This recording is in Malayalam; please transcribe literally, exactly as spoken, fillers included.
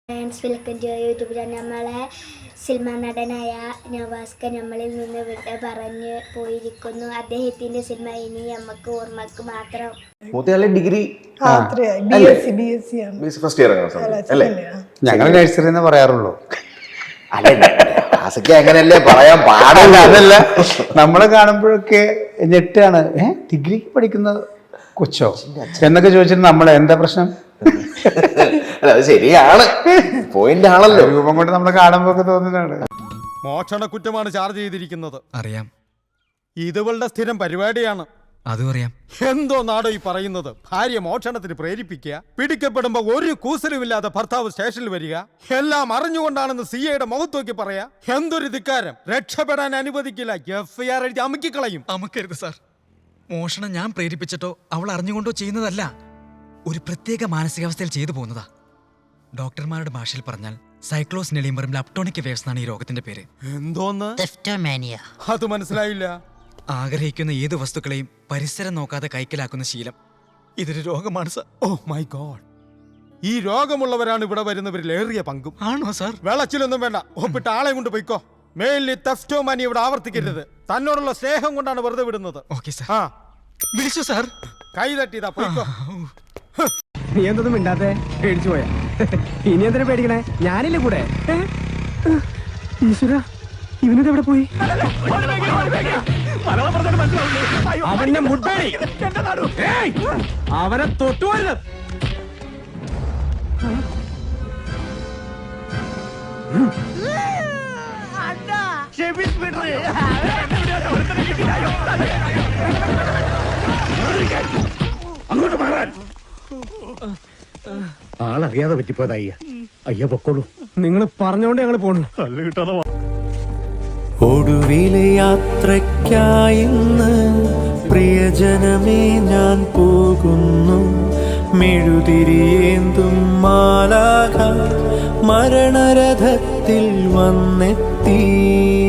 Friends welcome to YouTube channel. നമ്മളെ സിനിമാ നടനായ നവാസ്ക നമ്മളിൽ നിന്ന് വിട പറഞ്ഞ് പോയിരിക്കുന്നു. അദ്ദേഹത്തിന്റെ സിനിമ ഇനി നമുക്ക് ഓർമ്മക്ക് മാത്രം. ഡിഗ്രി ഞങ്ങൾ നഴ്സറി എന്ന് പറയാറുള്ളൂ. അങ്ങനല്ലേ പറയാൻ പാടില്ല. അതല്ല, നമ്മളെ കാണുമ്പോഴൊക്കെ ഞെട്ടാണ്. ഏഹ് ഡിഗ്രി പഠിക്കുന്ന കൊച്ചോ എന്നൊക്കെ ചോദിച്ചിട്ട് നമ്മളെ എന്താ പ്രശ്നം? അത് ശരിയാണ്, പോയിന്റ് ആണല്ലോ. രൂപം കൊണ്ട് നമ്മളെ കാണുമ്പോ തോന്നുന്നതാണ്. മോഷണ കുറ്റമാണ് ചാർജ് ചെയ്തിരിക്കുന്നത്. അറിയാം. ഇതുവളുടെ സ്ഥിരം പരിപാടിയാണ്. അതും അറിയാം. എന്തോ നാടോ ഈ പറയുന്നത്? ഭാര്യ മോഷണത്തിന് പ്രേരിപ്പിക്കുക, പിടിക്കപ്പെടുമ്പോ ഒരു കൂസലുമില്ലാതെ ഭർത്താവ് സ്റ്റേഷനിൽ വരിക, എല്ലാം അറിഞ്ഞുകൊണ്ടാണെന്ന് സി ഐയുടെ മുഖത്ത് നോക്കി പറയാ. എന്തൊരു ധിക്കാരം! രക്ഷപ്പെടാൻ അനുവദിക്കില്ല, എഫ് ഐ ആർ എഴുതി അമുക്കിക്കളയും. അമുക്കരുത് സാർ. മോഷണം ഞാൻ പ്രേരിപ്പിച്ചിട്ടോ അവൾ അറിഞ്ഞുകൊണ്ടോ ചെയ്യുന്നതല്ല, ഒരു പ്രത്യേക മാനസികാവസ്ഥയിൽ ചെയ്തു പോകുന്നതാ. ഡോക്ടർമാരുടെ ഭാഷയിൽ പറഞ്ഞാൽ സൈക്ലോസ് നെലിമറും ലപ്ടോണിക് വേവ്സ് എന്നാണ് ഈ രോഗത്തിന്റെ പേര്. എന്തോന്ന്? അത് മനസ്സിലായില്ല. ആഗ്രഹിക്കുന്ന ഏത് വസ്തുക്കളെയും പരിസരം നോക്കാതെ കൈക്കലാക്കുന്ന ശീലം, ഇതൊരു രോഗമാണ് സാർ. Oh my God! ഈ രോഗമുള്ളവരാണ് ഇവിടെ വരുന്നവരിൽ ഏറിയ പങ്കും. ആണോ സാർ? വെളച്ചിലൊന്നും വേണ്ട, ഒപ്പിട്ട് ആളെ കൊണ്ട് പോയിക്കോ. മേലിൽ തെഫ്റ്റോമാനി ഇവിടെ ആവർത്തിക്കരുത്. തന്നോടുള്ള സ്നേഹം കൊണ്ടാണ് വെറുതെ വിടുന്നത്. Okay sir. ആ വിളിച്ചു സാർ. കൈ തട്ടിയതാ, പോയിക്കോ. നീ എന്തൊന്നും മിണ്ടാത്തെ? പേടിച്ചു പോയാ? ഇനി എന്തിനാ പേടിക്കണേ? ഞാനില്ലേ കൂടെ. ഈശ്വര, ഇവനിത് എവിടെ പോയി? അവന്റെ മുട്ടടി, അവനെ തൊട്ടുപോയത്. അങ്ങോട്ട് മാറാൻ. ആളറിയാതെ പറ്റിപ്പോയത് അയ്യ. അയ്യ പൊക്കോളൂ. നിങ്ങൾ പറഞ്ഞോണ്ട് ഞങ്ങൾ പോണു. ഒടുവിലെ യാത്രയ്ക്കായിന്ന് പ്രിയജനമേ ഞാൻ പോകുന്നു. മെഴുതിരിയേന്തും മാലാഖ മരണരഥത്തിൽ വന്നെത്തി.